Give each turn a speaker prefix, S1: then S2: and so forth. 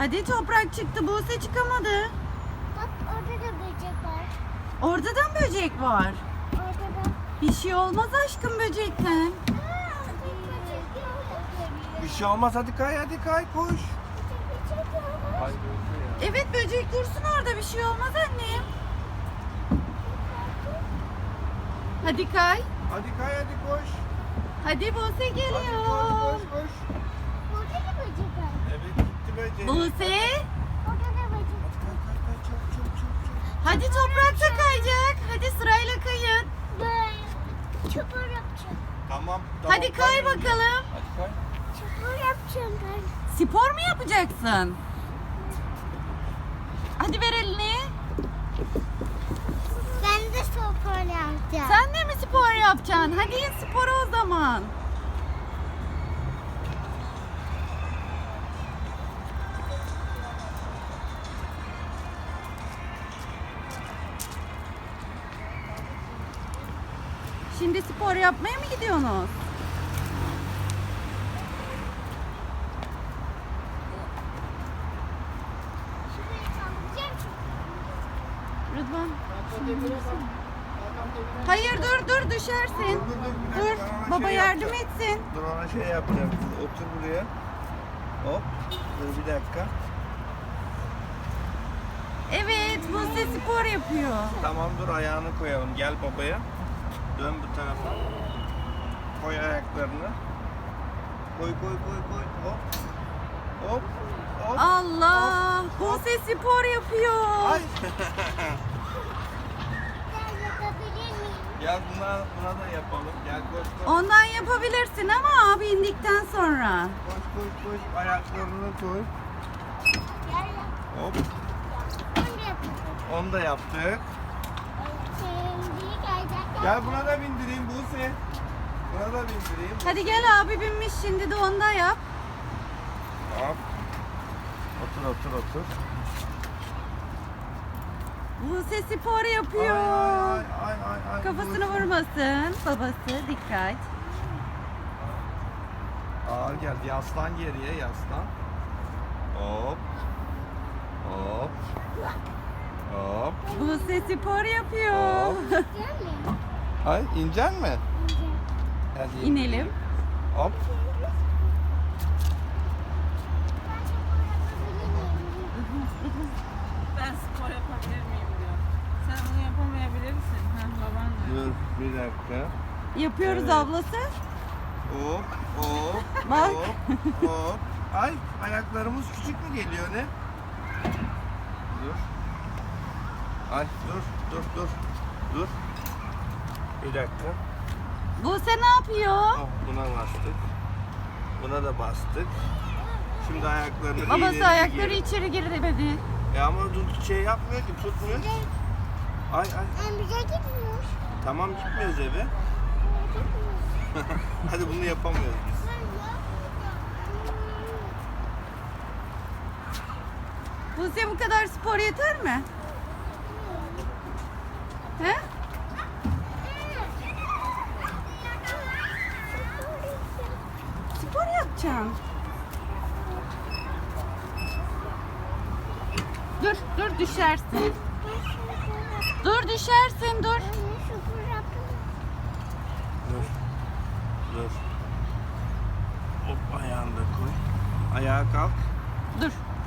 S1: Hadi toprak çıktı. Buse çıkamadı.
S2: Bak orada da böcek var.
S1: Orada da mı böcek var?
S2: Orada da.
S1: Bir şey olmaz aşkım böcekten.
S3: Bir şey olmaz, hadi kay, hadi kay, koş. Ay,
S1: Evet böcek dursun orada, bir şey olmaz annem. Hadi kay.
S3: hadi kay, hadi koş.
S1: Hadi Buse
S3: Hadi
S1: geliyor.
S3: koş, koş, koş.
S2: Orada da böcek var.
S3: Evet, gitti böcek.
S1: Buse.
S2: Orada da böcek.
S3: Hadi kay, kay, kay, çabuk, çabuk, çabuk, çabuk.
S1: Hadi toprak da kayacak. Hadi sırayla kayın.
S2: Ben çukur yapacağım.
S3: Tamam.
S1: Hadi kay
S3: önce.
S1: bakalım.
S3: Hadi kay.
S2: Çukur yapacağım ben.
S1: Spor mu yapacaksın? Hadi ver elini.
S2: Ben de spor yapacağım.
S1: Sen de mi spor yapacaksın? Hadi spor o zaman. Şimdi spor yapmaya mı gidiyorsunuz?
S2: Şurayı kaldıracağım çünkü.
S1: Rıdvan. Hayır dur düşersin.
S3: Dur,
S1: Dur
S3: ben ona
S1: baba
S3: şey
S1: yardım
S3: yapacağım.
S1: etsin.
S3: Dur, ona şey yapacağım. Otur buraya. Hop. Dur bir dakika.
S1: Evet Buse spor yapıyor.
S3: Tamam, dur ayağını koyalım. Gel babaya. Dön bu tarafa. Koy ayaklarını. Koy koy koy koy. Hop. Hop. Hop.
S1: Allah Buse spor yapıyor.
S3: Ay.
S2: Ben yapabilir miyim?
S3: Gel buna da yapalım. Gel koş koş.
S1: Ondan yapabilirsin ama abi indikten sonra.
S3: Koş koş koş. Ayaklarını koy.
S2: Gel yap.
S3: Hop.
S2: Onu da yapacağım.
S3: Onu da yaptık.
S2: Şimdi kayacak.
S3: Gel buna da bindireyim Buse. Buna da bindireyim.
S1: Hadi gel abi binmiş şimdi de onda yap.
S3: Hop. Otur otur otur.
S1: Buse spor
S3: Ay
S1: yapıyor.
S3: ay ay ay ay.
S1: Kafasını
S3: Buse.
S1: vurmasın. Babası dikkat.
S3: Ağır geldi. Yaslan geriye, yaslan. Hop. Hop. Hop.
S1: Buse spor yapıyor.
S3: Hop.
S2: Gel mi?
S3: Ay, inecek mi? Hadi
S1: İnelim.
S3: Hop.
S4: Ben spor yapabilir miyim diyor. Sen bunu yapamayabilirsin. Ha, baban diyor.
S3: Dur bir dakika.
S1: Yapıyoruz
S3: Evet.
S1: ablası.
S3: Hop hop
S1: Bak.
S3: hop hop. Ay, ayaklarımız küçük mü geliyor ne? Dur. Ay dur. Bir dakika.
S1: Buse ne yapıyor?
S3: Oh, buna bastık. Buna da bastık. Şimdi ayaklarını
S1: Babası
S3: ileri
S1: ayakları
S3: geri.
S1: içeri giremedi.
S3: Ama dur, şey yapmıyor ki, tutmuyor. Ay ay.
S2: Ben bize gitmiyor.
S3: Tamam, gitmiyoruz eve. Hadi bunu yapamıyoruz biz.
S1: Buse bu kadar spor yeter mi? He? Spor yapacaksın. Dur düşersin. Dur düşersin dur.
S3: Dur. Hop, ayağını da koy. Ayağa kalk.
S1: Dur.